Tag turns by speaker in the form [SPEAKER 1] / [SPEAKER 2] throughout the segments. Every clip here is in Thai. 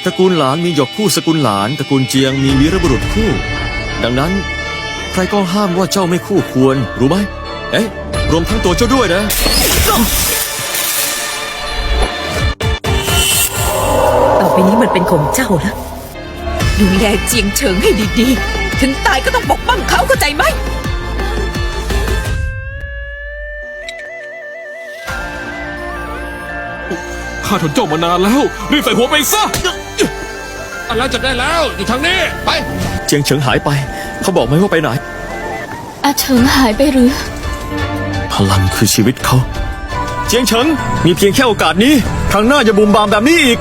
[SPEAKER 1] ตระกูลหลานมีหยกคู่สกุลหลานตระกูลเจียงมีวีรบุรุษคู่ดังนั้นใครก็ห้ามว่าเจ้าไม่คู่ควรรู้ไหมเอ๊ะรวมทั้งตัวเจ้าด้วยนะ
[SPEAKER 2] ต่อไปนี้มันเป็นของเจ้าแล้วดูแลเจียงเฉิงให้ดีๆถึงตายก็ต้องปกป้องเขาเข้าใจไหม
[SPEAKER 3] ข้าทนเจ้ามานานแล้วรีบใส่หัวไปซะแล้วจับได้แล้วอยู่ทางนี้ไป
[SPEAKER 1] เจียงเฉิงหายไปเขาบอกไหมว่าไปไหน
[SPEAKER 4] อาเฉิงหายไปหรือ
[SPEAKER 1] พลังคือชีวิตเขาเจียงเฉิงมีเพียงแค่โอกาสนี้ครั้งหน้าอย่าบุ่มบามแบบนี้อีก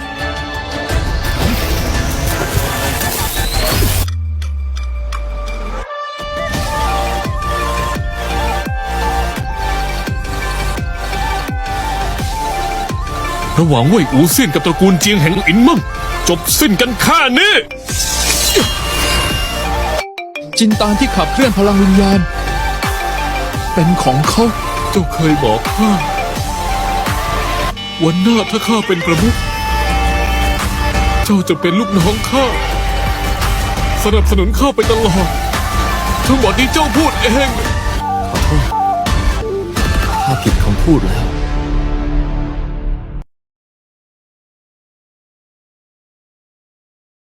[SPEAKER 3] ระหว่างเว่ยอูเซียนกับตระกูลเจียงแห่งอินมั่งจบสิ้นกันแค่นี้
[SPEAKER 5] จินตานที่ขับเคลื่อนพลังวิญญาณเป็นของเขา
[SPEAKER 3] เจ้าเคยบอกข้าวันหน้าถ้าข้าเป็นประมุขเจ้าจะเป็นลูกน้องข้าสนับสนุนข้าไปตลอดทั้งหมดนี้เจ้าพูดเอง
[SPEAKER 1] ขอโทษข้าผิดคำพูดแล้ว